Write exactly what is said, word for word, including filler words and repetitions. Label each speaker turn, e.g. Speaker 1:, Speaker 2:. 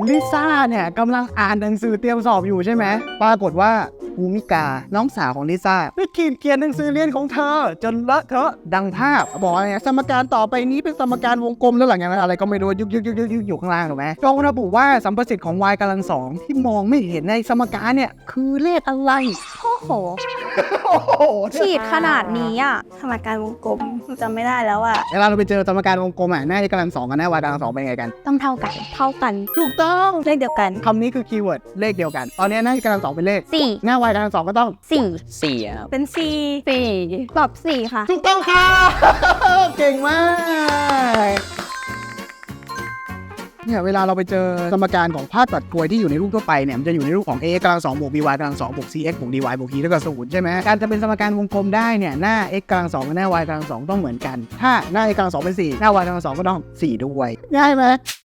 Speaker 1: ลิซ่าเนี่ยกำลังอ่านหนังสือเตรียมสอบอยู่ใช่ไหมปรากฏว่าภูมิกาน้องสาวของลิซ่าไปขีดเขียนหนังสือเรียนของเธอจนเลอะเทอะดังภาพบอกอะไรสมการต่อไปนี้เป็นสมการวงกลมแล้วหลังจากนั้นอะไรก็ไม่รู้ยุกยุกยุกยุกยุกอยู่ข้างล่างถูกไหมจงระบุว่าสัมประสิทธิ์ของ y กำลังสองที่มองไม่เห็นในสมการเนี่ยคือเลขอะไร
Speaker 2: โอ้โห
Speaker 1: โอ้โห
Speaker 2: ขีดขนาดนี้อ่ะสมการวงกลมจำไม่ได้แล้วอ่ะ
Speaker 1: เวลาเราไปเจอสมการวงกลมอ่ะหน้า x กำลังสองกับหน้า y กำลังสองเป็นไงกัน
Speaker 2: ต้องเท่ากัน เท่ากัน
Speaker 1: ถูกต้อง
Speaker 2: เลขเดียวกัน
Speaker 1: คำนี้คือคีย์เวิร์ดเลขเดียวกันตอนนี้หน้า x กำลังสองเป็นเลข
Speaker 2: สี่
Speaker 1: หน้า y กำลังสองก็ต้อง
Speaker 2: สี่
Speaker 3: สี่ครับ
Speaker 2: เป็นสี่สี่ตอบสี่ค่ะ
Speaker 1: ถูกต้องค่ะ เก่งมากเนี่ยเวลาเราไปเจอสมการของภาคตัดกลวยที่อยู่ในรูปทั่วไปเนี่ยมันจะอยู่ในรูปของ a x กำลังสองบวก b y กำลังสองบวก c x บวก d y บวก e เท่ากับศูนย์ใช่ไหมการจะเป็นสมการวงกลมได้เนี่ยหน้า x กำลังสองกับหน้า y กำลังสองต้องเหมือนกันถ้าหน้า x กำลังสองเป็นสี่หน้า y กำลังสองก็ต้องสี่ด้วยง่ายไหม